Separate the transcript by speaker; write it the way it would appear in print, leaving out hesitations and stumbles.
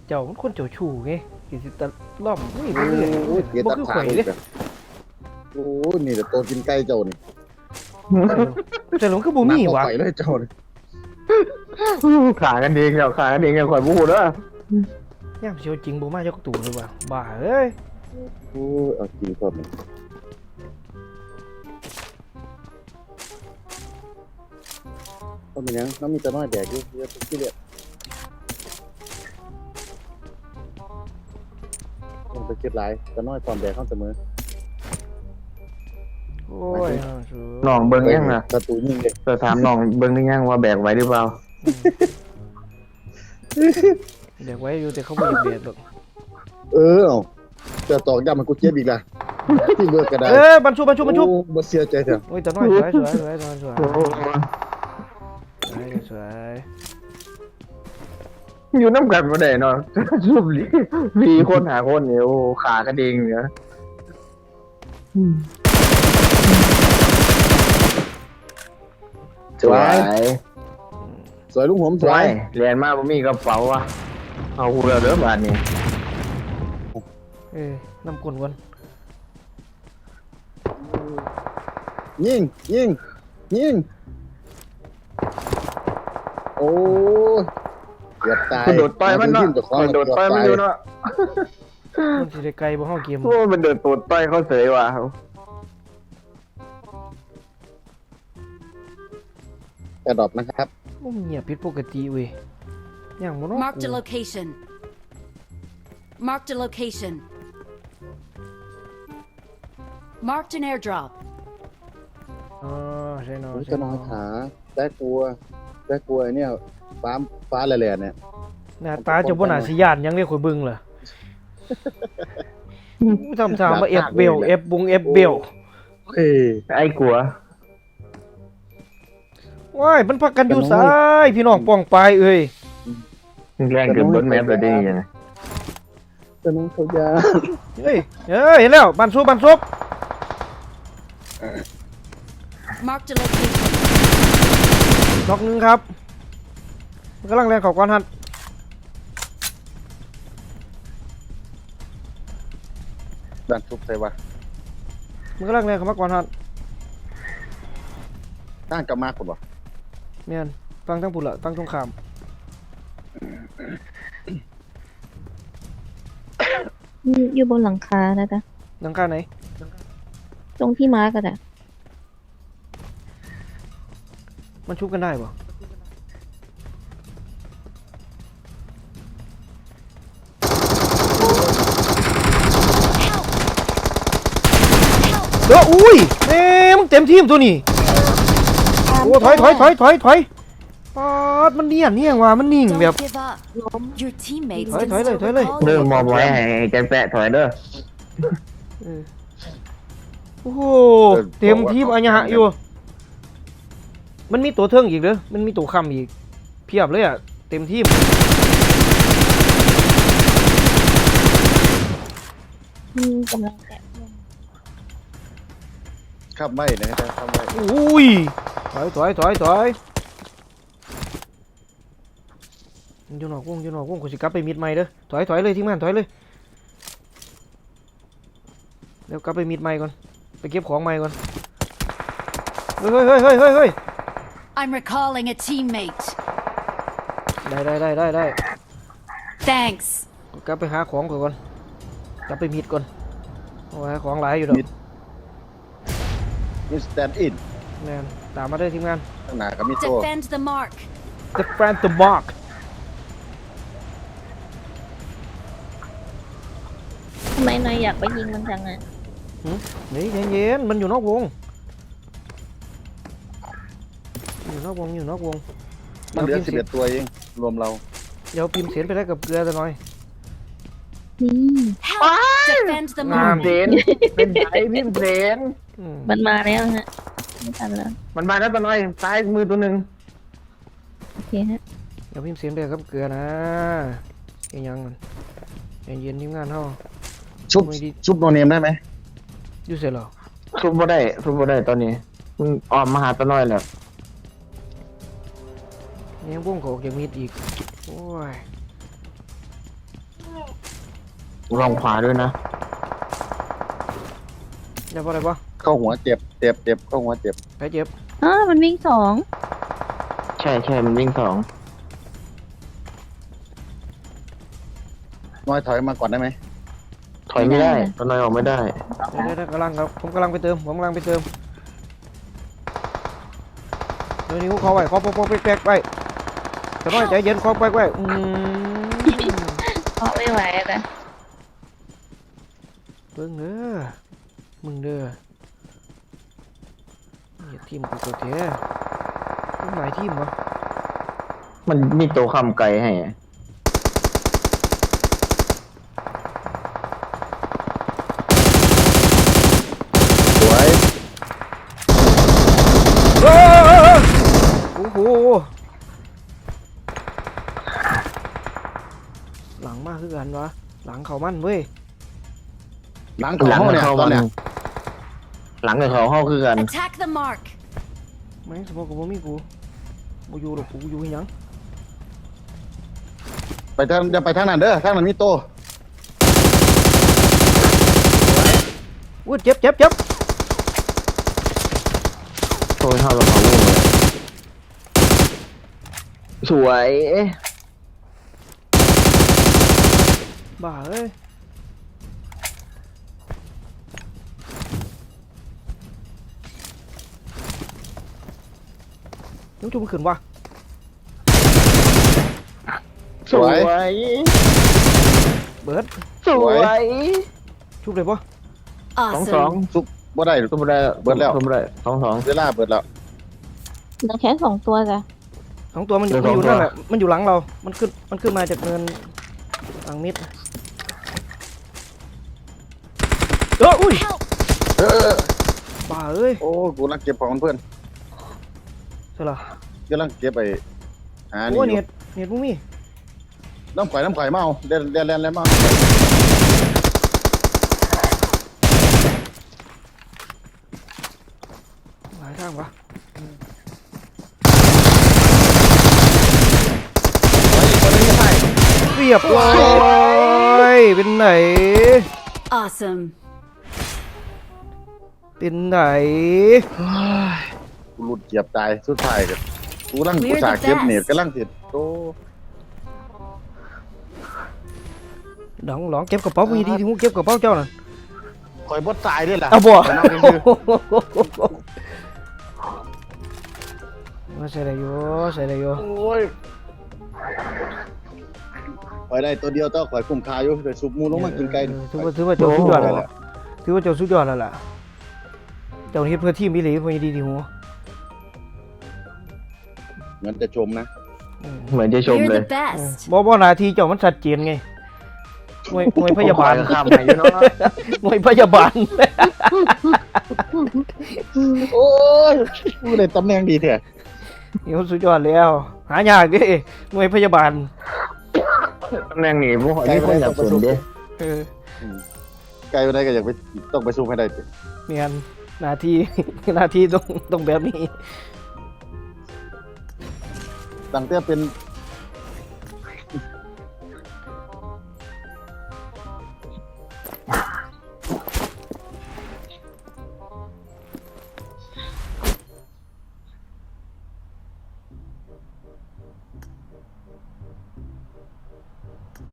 Speaker 1: เจ้ามันคนเจ้าชู้ไงกิสิตะล่อมนี่ไปเรื่อย
Speaker 2: โอ้ยเกีย
Speaker 1: บ่
Speaker 2: ตัด
Speaker 1: คือ
Speaker 2: ขา
Speaker 1: ข่อย
Speaker 2: อี
Speaker 1: เด้
Speaker 2: กอะโอ้ยนี่แต่ตัวกินไก่เจ้านี่
Speaker 1: แต่หลงคือบ่มี
Speaker 2: หนักก
Speaker 1: วะ
Speaker 2: ไก่เลยเจ้านี่
Speaker 3: ขากันเองเดี๋ยวขากันเองอย่างข่อยพูดเด้อย
Speaker 1: ามสิเอาจริงบ่มาจักตู่เลยว่ะบ้าเอ้ย
Speaker 2: โอ้ยเอาจริงก่อนนี่ก็เป็นหยังน้ำมีแต่น้อยแดกอยู่เยอะที่เดียวต้องไปคิดหลายแต่น้อยตอนแดกเข้าเสมอ
Speaker 1: โอ้ย
Speaker 3: น้องเบิ่งยังน่ะ
Speaker 2: ประตูยิงเลย
Speaker 3: จะถามน้องเบิ่งได้ยังว่าแบกไหวหรือเปล่า
Speaker 1: เด็กไว้อยู่แต่เขาบ่อยากเบียดหรอก
Speaker 2: เอาจะตอกย้ำมันกูเจ็บอีกละที่เบิกกระดาษ
Speaker 1: บรรชุบ
Speaker 2: โอ้บ่เสียใจเถอะ
Speaker 1: โอ้ยแต่น้อยสวย
Speaker 3: โอ้โห
Speaker 1: สวย
Speaker 3: อยู่น้ำกันบ่ได้เนาะรูปลีคนหาคนเนี่ยโอ้ขากันเองเนี่ย
Speaker 2: สวยสวยลุงผมส
Speaker 3: ส
Speaker 2: ว
Speaker 3: วย ยเรียนมาบ่มีกระเป๋าอ่ะเอาหูเราเด้อบาดนี้
Speaker 1: น้ำกลนก่อน
Speaker 2: ยิงโอ้ยเกือบตาย
Speaker 3: โดดต่อยมันเนาะโดดต่อยมันอยู่เนาะ
Speaker 1: มันสิได้ไกลบ่เฮาเกม
Speaker 3: โอ้มันเดินตูดต่อยเขาเสยว่ะ
Speaker 2: กระดอบนะครับ
Speaker 1: มันเงียบผิดปกติเว้ยอย่างบ่เนาะ
Speaker 4: Marked a location. Marked a location. Marked an airdrop.
Speaker 1: อ๋อใช่เนาะ
Speaker 2: จะนอนขาแต่กลัวไอ้เนี่ยฟ้าแหล่ๆเนี่ย
Speaker 1: หน้าตาเจ้าบ่น่าสิย่านหยังเลยข่อยเบิ่งล่ะทำทางมาเอฟเบลเอฟบุงเอฟเบล
Speaker 2: เฮ้ย
Speaker 3: ไอ้กลัว
Speaker 1: ว้ายมันพักกันอยู่ซ้ายพี่น้องป้องปลายเอ้ย
Speaker 3: แรงเกือบบนแมปเลยได้ยังไง
Speaker 2: จะน้องเขายา
Speaker 1: เฮ้ยเห็นแล้วบันซุบ
Speaker 4: Marked a location.
Speaker 1: ดอกหนึงครับมันกำลังแรงเขอก้อนฮัน
Speaker 2: ดันทุบใส่วะ
Speaker 1: มันกำลังแรงเข้ามาก่อนฮัน
Speaker 2: ตั้งกลับมาคนวะ
Speaker 1: แม่นฟังทั้งพุ่นละฟังตรงข้าม
Speaker 5: อยู่บนหลังคานะจ๊ะ
Speaker 1: หลังคาไหน
Speaker 5: ตรงที่มาร์กอะจ้ะ
Speaker 1: มันชุบกันได้ปะเด้ออุ้ยมึงเต็มทีมตัวนี้โอ้ถอยปาดมันเนียงว่ะมันนิ่งแบบ
Speaker 4: Don't give up. Your teammates
Speaker 1: Thôi,
Speaker 4: can
Speaker 1: thôi
Speaker 4: still
Speaker 1: đây, thôi đây.
Speaker 4: recall
Speaker 3: เดิน
Speaker 4: you.
Speaker 3: มองไว้ให้แกแปะถอยเด้อ
Speaker 1: โอ้โหเต็มทีมอัญญะอยู่มันมีตัวเทิงอีกเด้อมันมีตัวค้ำอีกเพียบเลยอ่ะเต็มทีม
Speaker 5: กำลังแกะเพื่อน
Speaker 2: ขับไม่นะครับขับไม่
Speaker 1: อุ้ยถอยอยู่นอกวงกูสิกลับไปมิดใหม่เด้อถอยเลยทีมงานถอยเลยเดี๋ยวกลับไปมิดใหม่ก่อนไปเก็บของใหม่ก่อนเฮ้ย
Speaker 4: I'm recalling a teammate.
Speaker 1: ได้
Speaker 4: Thanks.
Speaker 1: กลับไปหาของก่อนกลับไปมิดก่อนเอาไว้ของหลายอยู่ดอก
Speaker 2: นี่สแตนด์อิน
Speaker 1: แม่นตามมาได้อทีมงาน
Speaker 2: ข้างหน้าก็มีโซ่
Speaker 4: Defend the mark.
Speaker 1: The Friend the Mark
Speaker 5: ทำไมนายอยากไปยิงมันจังอะ
Speaker 1: นี่เย็นๆมันอยู่นอกวงอยู่นอกวง
Speaker 2: มันเหลือ11ตัวเองรวมเรา
Speaker 1: เดี๋ยวพิมพ์เสียนไปได้กับเกลือจะหน่อย
Speaker 5: นี่
Speaker 4: Help. Defend the
Speaker 1: งาม
Speaker 4: mark.
Speaker 3: เซนเป็นไงพี่เซน
Speaker 1: อืม
Speaker 5: มันมาแล้วฮะไม่ทันแล้ว
Speaker 3: มันมาแล้วตัวน้อยซ้ายมือตัวหนึ่ง
Speaker 5: โอเคฮะ
Speaker 1: เดี๋ยวพิมพ์เสียนไปกับเกลือนะยังมันเย็นๆทีมงานเฮา
Speaker 2: ชุบโนเนมได้ไหม
Speaker 1: อยู่เสร็จแล้ว
Speaker 3: ทุบบ่ได้ตอนนี้มึงออกมาหาตัวน้อยแล้ว
Speaker 1: ยังวงเขาออกจากมิดอีกโอ้ย
Speaker 3: ลองขวาด้วยนะ
Speaker 1: เจ็บอะไรปะ
Speaker 2: เข้าหัวเจ็บเข้าหัวเจ็บ
Speaker 1: ใครเจ็บ
Speaker 5: มันวิ่งสอง
Speaker 3: ใช่ใช่มันวิ่งสอง
Speaker 2: น้อยถอยมาก่อนได้ไหม
Speaker 3: ถอยไม่ได้ตอนนอยออกไม่ได้
Speaker 1: ได้กำลังครับผมกำลังไปเติมผมกำลังไปเติมเดี๋ยวนี้เขาไว้เขาปกแป๊กๆไว้จะน้อยใจเย็นเขาแป๊กไว้
Speaker 5: เพราะไม่ไหวนะ
Speaker 1: เบิ่งเด้อมึงเด้ออย่าทีมกูตัวเถอะมึงหลายทีมวะ
Speaker 3: มันมีตัวคำไกลให้อะ
Speaker 2: สวย
Speaker 1: โอ้โหหลังมากคือกันวะหลังเขามั่นเว้ย
Speaker 2: หลังของเขาเนี่ยตอนเนี้ย
Speaker 3: หลังกับเขาเข้าคือกัน
Speaker 4: Attack the mark.
Speaker 1: แม่งสมองกูบ่มีกูบ่อยู่หรอกกูอยู่ให้หยัง
Speaker 2: ไปทางอย่าไปทางนั้นเด้อทางนั้นมีโต
Speaker 1: อุ้ยเจ็บ
Speaker 3: โชว์เท่ากับเขาลูกเลยสวย
Speaker 1: บ้าเอ้ยยังจุ่มขึ้นวะ
Speaker 3: สวย
Speaker 1: เบิร์ด
Speaker 3: สวย
Speaker 1: ชุบเลยปะ
Speaker 3: สอง
Speaker 4: Awesome.
Speaker 2: ซุปบ่ได้
Speaker 3: ก็ไม่ได้
Speaker 2: เบิดแล้ว
Speaker 3: ก็ไม่ได้สอง
Speaker 2: เวลาเบิดแล้ว
Speaker 5: เหลือแค่2 ตัวจ้ะ
Speaker 1: สองตัวมันอยู่
Speaker 3: เดี๋ยว
Speaker 1: มันอยู่
Speaker 3: สองตัว
Speaker 1: นั่นแหละมันอยู่หลังเรา มันขึ้นมาจากเนินหลังมิดอุ้ย
Speaker 4: Help.
Speaker 1: บ้าเอ้ย
Speaker 2: โอ้กูกำลังเก็บของเพื่อน
Speaker 1: ใช่เหรอก
Speaker 2: ำลังเก็บไปหา
Speaker 1: โอ้
Speaker 2: นี่
Speaker 1: เน็ตมึงมี
Speaker 2: น้ำไข่มาเอาเล่นแล้วมา
Speaker 1: หลายทางปะเรียบร้อยเป็นไหน
Speaker 4: Awesome.
Speaker 1: เป็นไหน
Speaker 2: กูหลุดเกียบตายสุดท้ายกันกูกำลังกูสาเก็บเน็ตกำลังติดโต
Speaker 1: หลองเก็บกระเป๋ามึงดีที่มึงเก็บกระเป๋าเจ้าน่ะ
Speaker 2: คอยบดตายด้วยล่ะ
Speaker 1: เอาบ่
Speaker 2: ไปนั่งซื่อ
Speaker 1: มาใส่ได้อยู่
Speaker 2: ๆโอ้ยคอยได้ตัวเดียวต้องคอยคุ้มค่าอยู่แต่ซุปหมูลงมากินไก่
Speaker 1: ถือว่าเจ้าสุดยอดแล้วล่ะถือว่าเจ้าสุดยอดแล้วล่ะเจ้าเฮ็ดเพื่อทีมอีหลีเพื่อดีที่หัว
Speaker 2: เหมือนจะชมนะ
Speaker 3: เหมือนจะชม
Speaker 4: You're
Speaker 3: เลย
Speaker 4: the best.
Speaker 1: บ่หน้าที่เจ้ามันชัดเจนไงหน่วยพยาบาล
Speaker 3: ข้ามไปอยู่เนาะ
Speaker 1: หน่วยพยาบาล
Speaker 2: โอ้ยกูได้ตำแหน่งดีแท้
Speaker 1: นี่เขาสุดยอดแล้วหายากดิหน่วยพยาบาล
Speaker 3: ตำแหน่งนี้พวกนี่คนอยากสนดิ
Speaker 1: เออ
Speaker 2: ไก่ไปได้ก็อยากไปต้องไปสู้ให้ได้ติ
Speaker 1: เมียนหน้าที่ หน้าที่ต้องแบบนี้
Speaker 2: ตั้งแต่เป็น